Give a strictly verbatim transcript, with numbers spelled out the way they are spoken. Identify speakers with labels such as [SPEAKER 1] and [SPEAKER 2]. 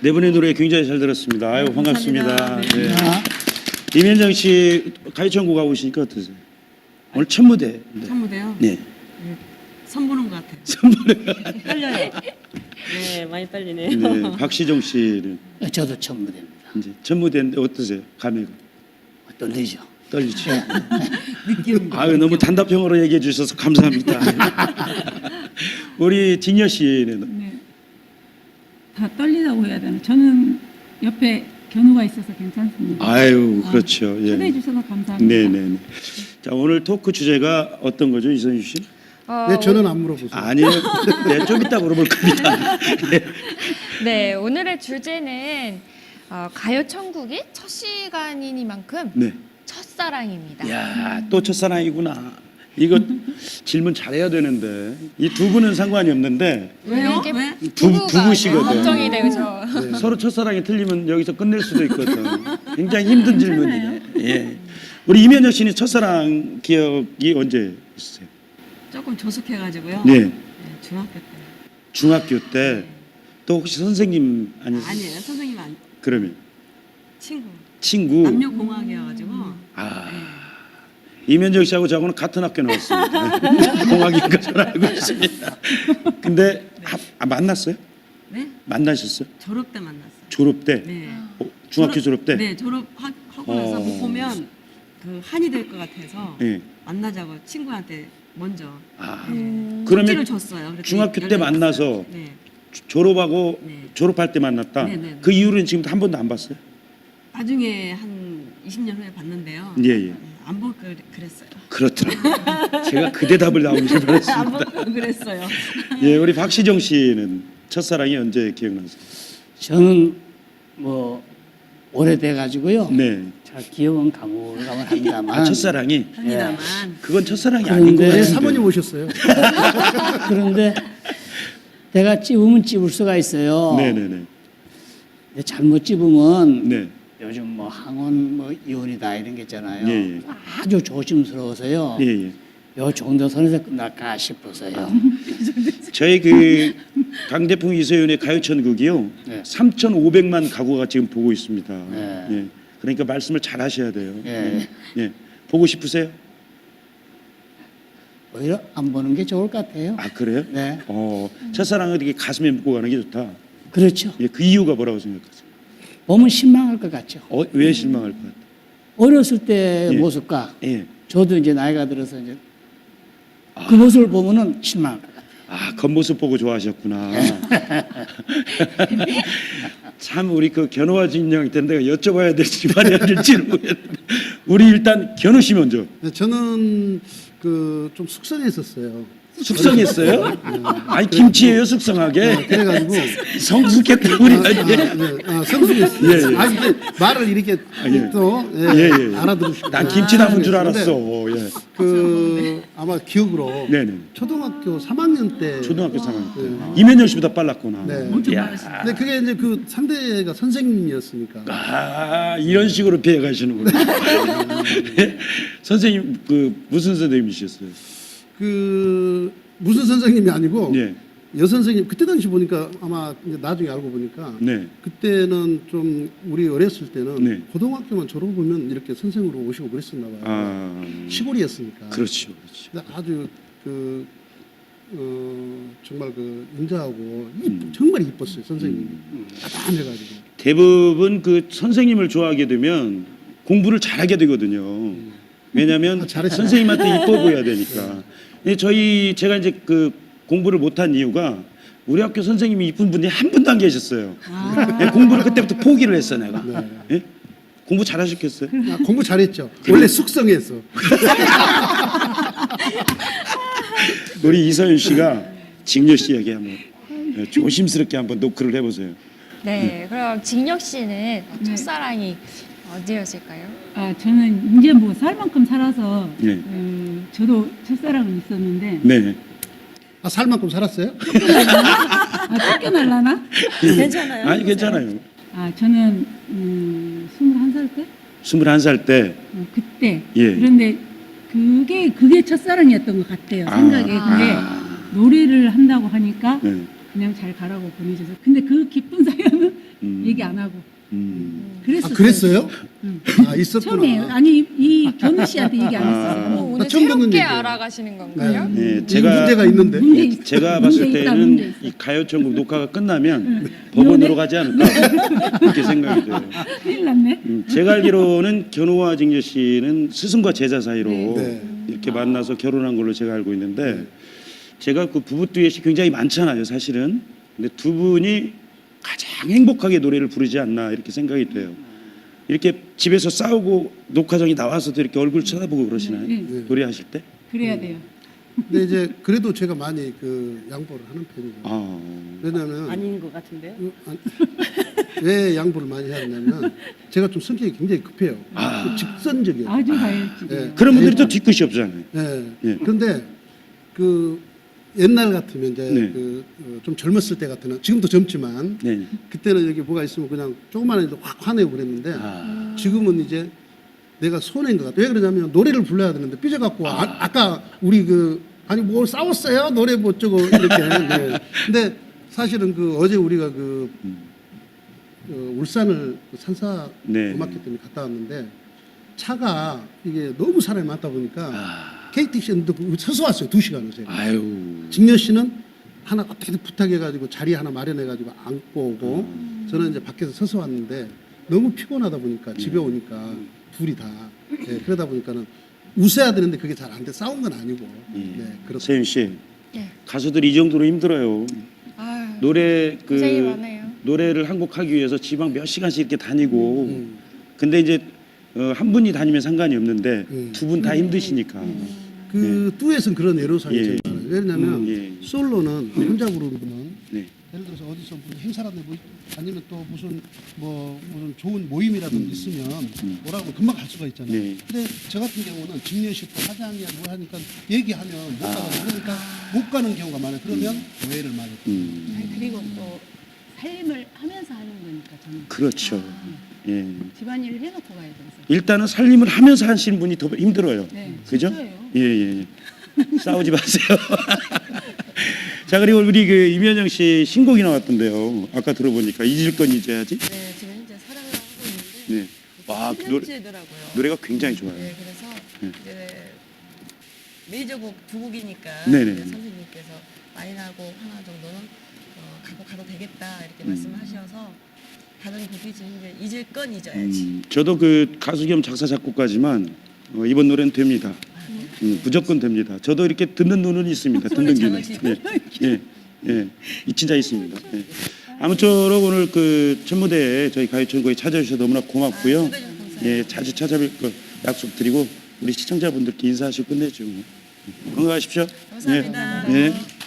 [SPEAKER 1] 네 분의 노래 굉장히 잘 들었습니다. 아유, 반갑습니다.
[SPEAKER 2] 감사합니다.
[SPEAKER 1] 네.
[SPEAKER 2] 네.
[SPEAKER 1] 임현정 씨 가요천국 가고 오시니까 어떠세요? 오늘 첫 무대. 네.
[SPEAKER 2] 첫 무대요?
[SPEAKER 1] 네.
[SPEAKER 2] 선보는 것 같아요.
[SPEAKER 1] 선물을.
[SPEAKER 2] 떨려요.
[SPEAKER 3] 네, 많이 떨리네요.
[SPEAKER 1] 네. 박시정 씨는
[SPEAKER 4] 저도 첫 무대입니다.
[SPEAKER 1] 이제 첫 무대인데 어떠세요? 감회가?
[SPEAKER 4] 떨리죠.
[SPEAKER 1] 떨리죠.
[SPEAKER 2] 느낌.
[SPEAKER 1] 아유, 너무 단답형으로 얘기해 주셔서 감사합니다. 우리 진여 씨는
[SPEAKER 5] 네. 다 떨리다고 해야 되나? 저는 옆에 견우가 있어서 괜찮습니다.
[SPEAKER 1] 아유, 그렇죠. 예.
[SPEAKER 5] 초대해 주셔서 감사합니다.
[SPEAKER 1] 네, 네, 네. 자, 오늘 토크 주제가 어떤 거죠, 이선유 씨?
[SPEAKER 6] 어,
[SPEAKER 7] 네, 저는 안 물어보세요.
[SPEAKER 1] 아니요. 네, 좀 이따 물어볼 겁니다. 네.
[SPEAKER 6] 네, 오늘의 주제는 어, 가요천국이 첫 시간이니만큼
[SPEAKER 1] 네.
[SPEAKER 6] 첫사랑입니다.
[SPEAKER 1] 야, 또 첫사랑이구나. 이거 질문 잘해야 되는데 이 두 분은 상관이 없는데
[SPEAKER 2] 왜요?
[SPEAKER 6] 이게
[SPEAKER 2] 왜?
[SPEAKER 1] 부,
[SPEAKER 6] 부부가
[SPEAKER 1] 부부시거든.
[SPEAKER 6] 걱정이 되죠.
[SPEAKER 7] 네.
[SPEAKER 1] 서로 첫사랑이 틀리면 여기서 끝낼 수도 있거든. 굉장히 힘든 질문이네. 예. 우리 이면여 씨는 첫사랑 기억이 언제 있으세요?
[SPEAKER 2] 조금 조숙해가지고요.
[SPEAKER 1] 네.
[SPEAKER 2] 네, 중학교 때.
[SPEAKER 1] 중학교 때. 또 혹시 선생님 아니세요?
[SPEAKER 2] 아니에요. 선생님 아니.
[SPEAKER 1] 그러면
[SPEAKER 2] 친구.
[SPEAKER 1] 친구.
[SPEAKER 2] 남녀공학이어가지고.
[SPEAKER 1] 아. 이면정 씨하고 저하고는 같은 학교 나왔습니다. 공학인 것으로 알고 있습니다. 근데 아, 아, 만났어요?
[SPEAKER 2] 네?
[SPEAKER 1] 만나셨어요?
[SPEAKER 2] 졸업 때 만났어요.
[SPEAKER 1] 졸업 때?
[SPEAKER 2] 네.
[SPEAKER 1] 어, 중학교 졸업 때?
[SPEAKER 2] 네, 졸업하고 나서
[SPEAKER 1] 어.
[SPEAKER 2] 못 보면 그 한이 될 것 같아서
[SPEAKER 1] 예.
[SPEAKER 2] 만나자고 친구한테 먼저
[SPEAKER 1] 아.
[SPEAKER 6] 음,
[SPEAKER 1] 그러면
[SPEAKER 2] 쪽지를 줬어요. 그래서
[SPEAKER 1] 중학교 때
[SPEAKER 2] 연락이
[SPEAKER 1] 만나서
[SPEAKER 2] 왔어요. 네.
[SPEAKER 1] 조- 졸업하고
[SPEAKER 2] 네.
[SPEAKER 1] 졸업할 때 만났다?
[SPEAKER 2] 네, 네, 네.
[SPEAKER 1] 그 이후로는 지금 한 번도 안 봤어요?
[SPEAKER 2] 나중에 한 이십 년 후에 봤는데요.
[SPEAKER 1] 예, 예.
[SPEAKER 2] 안 볼 걸 그랬어요.
[SPEAKER 1] 그렇더라고요. 제가 그 대답을 나오길
[SPEAKER 2] 안
[SPEAKER 1] 바랐습니다.
[SPEAKER 2] 볼 걸 그랬어요.
[SPEAKER 1] 예, 우리 박시정 씨는 첫사랑이 언제 기억나세요?
[SPEAKER 4] 저는 뭐 오래돼 가지고요.
[SPEAKER 1] 네.
[SPEAKER 4] 잘 기억은 가물가물합니다만.
[SPEAKER 1] 아, 첫사랑이?
[SPEAKER 2] 합니다만
[SPEAKER 1] 그건 첫사랑이
[SPEAKER 4] 그런데-
[SPEAKER 1] 아닌 것
[SPEAKER 7] 네,
[SPEAKER 1] 같은데.
[SPEAKER 7] 사모님 오셨어요.
[SPEAKER 4] 그런데 내가 찝으면 찝을 수가 있어요.
[SPEAKER 1] 네네네.
[SPEAKER 4] 근데 잘못 찝으면
[SPEAKER 1] 네.
[SPEAKER 4] 요즘 뭐 항원 뭐 이혼이다 이런 게 있잖아요.
[SPEAKER 1] 예, 예.
[SPEAKER 4] 아주 조심스러워서요.
[SPEAKER 1] 예, 예.
[SPEAKER 4] 요 정도 선에서 끝날까 싶어서요.
[SPEAKER 1] 저희 그 강대풍 이소연의 가요천국이요.
[SPEAKER 4] 네.
[SPEAKER 1] 삼천오백만 가구가 지금 보고 있습니다.
[SPEAKER 4] 네.
[SPEAKER 1] 예. 그러니까 말씀을 잘 하셔야 돼요.
[SPEAKER 4] 예.
[SPEAKER 1] 예. 보고 싶으세요?
[SPEAKER 4] 오히려 안 보는 게 좋을 것 같아요.
[SPEAKER 1] 아, 그래요?
[SPEAKER 4] 네.
[SPEAKER 1] 어, 첫사랑을 이렇게 가슴에 묻고 가는 게 좋다.
[SPEAKER 4] 그렇죠.
[SPEAKER 1] 예, 그 이유가 뭐라고 생각하세요?
[SPEAKER 4] 보면 실망할 것 같죠.
[SPEAKER 1] 어, 왜 실망할 것 같아요?
[SPEAKER 4] 어렸을 때
[SPEAKER 1] 예.
[SPEAKER 4] 모습과
[SPEAKER 1] 예.
[SPEAKER 4] 저도 이제 나이가 들어서 이제 그 모습을 보면은 실망할 것 같아요.
[SPEAKER 1] 아, 겉모습 보고 좋아하셨구나. 참 우리 그 견우와 진영이 때문에 내가 여쭤봐야 될지 말해야 될지를 모르겠는데 우리 일단 견우 씨 먼저.
[SPEAKER 7] 네, 저는 그 좀 숙성했었어요.
[SPEAKER 1] 숙성했어요? 아니 김치예요 숙성하게.
[SPEAKER 7] 네, 그래가지고
[SPEAKER 1] 성숙했다 우리.
[SPEAKER 7] 아, 아, 네, 아, 성숙했어요.
[SPEAKER 1] 예, 예.
[SPEAKER 7] 아, 이게 말을 이렇게
[SPEAKER 1] 예.
[SPEAKER 7] 또 예,
[SPEAKER 1] 예, 예.
[SPEAKER 7] 알아들으시고.
[SPEAKER 1] 난 김치 담은 줄 알았어. 예.
[SPEAKER 7] 그 아마 기억으로
[SPEAKER 1] 네네.
[SPEAKER 7] 초등학교 삼 학년 때.
[SPEAKER 1] 초등학교 삼 학년 때.
[SPEAKER 7] 네.
[SPEAKER 1] 이면열 씨보다 빨랐구나.
[SPEAKER 7] 네.
[SPEAKER 2] 엄청
[SPEAKER 1] 야.
[SPEAKER 2] 많으시다.
[SPEAKER 7] 근데 그게 이제 그 상대가 선생님이었으니까.
[SPEAKER 1] 아, 이런 식으로 피해 가시는구나. 선생님 그 무슨 선생님이셨어요?
[SPEAKER 7] 그 무슨 선생님이 아니고
[SPEAKER 1] 예.
[SPEAKER 7] 여 선생님 그때 당시 보니까 아마 이제 나중에 알고 보니까
[SPEAKER 1] 네.
[SPEAKER 7] 그때는 좀 우리 어렸을 때는
[SPEAKER 1] 네.
[SPEAKER 7] 고등학교만 졸업하면 이렇게 선생으로 오시고 그랬었나 봐요.
[SPEAKER 1] 아.
[SPEAKER 7] 시골이었으니까.
[SPEAKER 1] 그렇죠. 그렇죠.
[SPEAKER 7] 근데 아주 그 어, 정말 그 인자하고 이-
[SPEAKER 1] 음.
[SPEAKER 7] 정말 이뻤어요 선생님이. 따뜻해가지고.
[SPEAKER 1] 대부분 그 선생님을 좋아하게 되면 공부를 잘하게 되거든요. 왜냐하면
[SPEAKER 7] 아, 잘했어요.
[SPEAKER 1] 선생님한테 이뻐 보여야 되니까. 근데 저희 제가 이제 그 공부를 못한 이유가 우리 학교 선생님이 이쁜 분이 한 분도 안 계셨어요. 예, 공부를 그때부터 포기를 했어 내가.
[SPEAKER 7] 네.
[SPEAKER 1] 예? 공부 잘하셨겠어요?
[SPEAKER 7] 아, 공부 잘했죠. 원래 숙성했어.
[SPEAKER 1] 우리 이서윤 씨가 직녀 씨에게 한번 예, 조심스럽게 한번 노크를 해보세요.
[SPEAKER 6] 네, 그럼 직력 씨는 첫사랑이 어디였을까요?
[SPEAKER 5] 아, 저는 이제 뭐 살 만큼 살아서
[SPEAKER 1] 예.
[SPEAKER 5] 음, 저도 첫사랑은 있었는데
[SPEAKER 1] 네.
[SPEAKER 7] 아, 살 만큼 살았어요?
[SPEAKER 5] 아, 쫓겨날라나?
[SPEAKER 3] 괜찮아요.
[SPEAKER 1] 아니 괜찮아요.
[SPEAKER 5] 아, 저는 음, 스물한 살 때?
[SPEAKER 1] 스물한 살 때.
[SPEAKER 5] 어, 그때.
[SPEAKER 1] 예.
[SPEAKER 5] 그런데 그게 그게 첫사랑이었던 것 같아요.
[SPEAKER 1] 아,
[SPEAKER 5] 생각에. 근데
[SPEAKER 1] 아.
[SPEAKER 5] 노래를 한다고 하니까
[SPEAKER 1] 네.
[SPEAKER 5] 그냥 잘 가라고 보내줘서. 근데 그 기쁜 사연은
[SPEAKER 1] 음.
[SPEAKER 5] 얘기 안 하고
[SPEAKER 1] 음.
[SPEAKER 7] 아,
[SPEAKER 5] 그랬었어요.
[SPEAKER 7] 그랬어요?
[SPEAKER 5] 응.
[SPEAKER 7] 아, 있었구나.
[SPEAKER 5] 처음에 아니 이, 이 견우 씨한테 얘기 안
[SPEAKER 1] 아.
[SPEAKER 5] 했어요.
[SPEAKER 6] 어, 오늘
[SPEAKER 7] 처음 듣는
[SPEAKER 6] 새롭게
[SPEAKER 7] 얘기예요.
[SPEAKER 6] 알아가시는 건가요?
[SPEAKER 1] 네,
[SPEAKER 7] 이
[SPEAKER 1] 제가
[SPEAKER 7] 문제가 있는데.
[SPEAKER 5] 문제 있-
[SPEAKER 1] 제가
[SPEAKER 5] 문제
[SPEAKER 1] 봤을
[SPEAKER 5] 있다, 문제
[SPEAKER 1] 때는
[SPEAKER 5] 있어.
[SPEAKER 1] 이 가요천국 녹화가 끝나면
[SPEAKER 5] 응.
[SPEAKER 1] 법원으로 가지 않을까 그렇게 생각이 돼요.
[SPEAKER 5] 큰일 났네.
[SPEAKER 1] 음, 제가 알기로는 견우와 직녀 씨는 스승과 제자 사이로
[SPEAKER 7] 네.
[SPEAKER 1] 이렇게 만나서 결혼한 걸로 제가 알고 있는데 제가 그 부부 듀엣이 굉장히 많잖아요, 사실은. 근데 두 분이 가장 행복하게 노래를 부르지 않나 이렇게 생각이 돼요. 이렇게 집에서 싸우고 녹화장에 나와서도 이렇게 얼굴 쳐다보고 그러시나요?
[SPEAKER 5] 네.
[SPEAKER 7] 네.
[SPEAKER 1] 노래하실 때?
[SPEAKER 5] 그래야 돼요.
[SPEAKER 7] 근데 이제 그래도 제가 많이 그 양보를 하는 편이에요.
[SPEAKER 1] 아,
[SPEAKER 7] 왜냐하면
[SPEAKER 3] 아닌 것 같은데요.
[SPEAKER 7] 그, 아니, 왜 양보를 많이 하냐면 제가 좀 성격이 굉장히 급해요.
[SPEAKER 1] 아.
[SPEAKER 7] 그 직선적이에요.
[SPEAKER 5] 아주 가열지.
[SPEAKER 7] 예.
[SPEAKER 1] 그런 분들이 또 뒤끝이 없잖아요.
[SPEAKER 7] 예.
[SPEAKER 1] 예.
[SPEAKER 7] 그런데 그 옛날 같으면 이제
[SPEAKER 1] 네.
[SPEAKER 7] 그 좀 젊었을 때 같으면 지금도 젊지만
[SPEAKER 1] 네.
[SPEAKER 7] 그때는 여기 뭐가 있으면 그냥 조그마한 일도 확 화내고 그랬는데
[SPEAKER 1] 아,
[SPEAKER 7] 지금은 이제 내가 손해인 것 같아. 왜 그러냐면 노래를 불러야 되는데 삐져갖고 아, 아까 우리 그 아니 뭐 싸웠어요 노래 뭐 어쩌고 이렇게. 네. 근데 사실은 그 어제 우리가 그 어, 울산을 그 산사
[SPEAKER 1] 네.
[SPEAKER 7] 음악회 때문에 갔다 왔는데 차가 이게 너무 사람이 많다 보니까
[SPEAKER 1] 아,
[SPEAKER 7] 케이티씨도 서서 왔어요. 두 시간을 제가.
[SPEAKER 1] 아유.
[SPEAKER 7] 직녀 씨는 하나 어떻게 부탁해가지고 자리 하나 마련해가지고 안고 오고 저는 이제 밖에서 서서 왔는데 너무 피곤하다 보니까 집에 오니까 둘이 다 네, 그러다 보니까는 웃어야 되는데 그게 잘 안 돼. 싸운 건 아니고. 네, 그렇습니다.
[SPEAKER 1] 세윤 씨,
[SPEAKER 6] 네.
[SPEAKER 1] 가수들이 이 정도로 힘들어요.
[SPEAKER 6] 아유,
[SPEAKER 1] 노래 그
[SPEAKER 6] 고생이 많아요.
[SPEAKER 1] 노래를 한 곡 하기 위해서 지방 몇 시간씩 이렇게 다니고.
[SPEAKER 7] 음.
[SPEAKER 1] 근데 이제 어, 한 분이 다니면 상관이 없는데
[SPEAKER 7] 음.
[SPEAKER 1] 두 분 다 힘드시니까.
[SPEAKER 7] 그 듀엣은 그런 애로사항이
[SPEAKER 1] 예.
[SPEAKER 7] 제일 많아요. 왜냐면
[SPEAKER 1] 음, 예.
[SPEAKER 7] 솔로는 혼자 부르는 분은
[SPEAKER 1] 네.
[SPEAKER 7] 예를 들어서 어디서 무슨 행사라든지 뭐 아니면 또 무슨 뭐 무슨 좋은 모임이라든지 있으면 뭐라고 금방 갈 수가 있잖아요.
[SPEAKER 1] 네.
[SPEAKER 7] 근데 저 같은 경우는 직녀식 또 화장이야 뭐 하니까 얘기하면 못 가거든요. 그러니까 못 가는 경우가 많아요. 그러면 오해를 많이.
[SPEAKER 1] 음,
[SPEAKER 5] 아니, 그리고 또 살림을 하면서 하는 거니까 저는
[SPEAKER 1] 그렇죠. 예.
[SPEAKER 5] 집안일을 해놓고 가야 돼서.
[SPEAKER 1] 일단은 살림을 하면서 하시는 분이 더 힘들어요.
[SPEAKER 5] 네,
[SPEAKER 1] 그죠?
[SPEAKER 5] 진짜예요.
[SPEAKER 1] 예, 예. 싸우지 마세요. 자, 그리고 우리 그 임현정 씨 신곡이 나왔던데요. 아까 들어보니까 잊을 건 잊어야지.
[SPEAKER 2] 네, 지금 현재 사랑을 하고 있는데
[SPEAKER 1] 네. 와, 그 노래,
[SPEAKER 2] 노래더라고요.
[SPEAKER 1] 노래가 굉장히 좋아요.
[SPEAKER 2] 네, 그래서
[SPEAKER 1] 네.
[SPEAKER 2] 이제 메이저곡 두 곡이니까
[SPEAKER 1] 네네.
[SPEAKER 2] 이제 선생님께서 마이너곡 하나 정도는 어, 갖고 가도 되겠다 이렇게
[SPEAKER 1] 음.
[SPEAKER 2] 말씀하셔서 다른 곡이 지금 이제 잊을 건 잊어야지.
[SPEAKER 1] 음, 저도 그 가수 겸 작사 작곡가지만 어, 이번 노래는 됩니다. 음, 무조건 됩니다. 저도 이렇게 듣는 눈은 있습니다. 듣는 귀는. 예, 예, 예, 이 진짜 있습니다. 예. 아무쪼록 오늘 그 첫 무대에 저희 가요천국에 찾아주셔서 너무나 고맙고요. 예, 자주 찾아뵐 거 약속드리고 우리 시청자분들께 인사하시고 끝내죠. 건강하십시오.
[SPEAKER 2] 감사합니다.
[SPEAKER 1] 예, 예.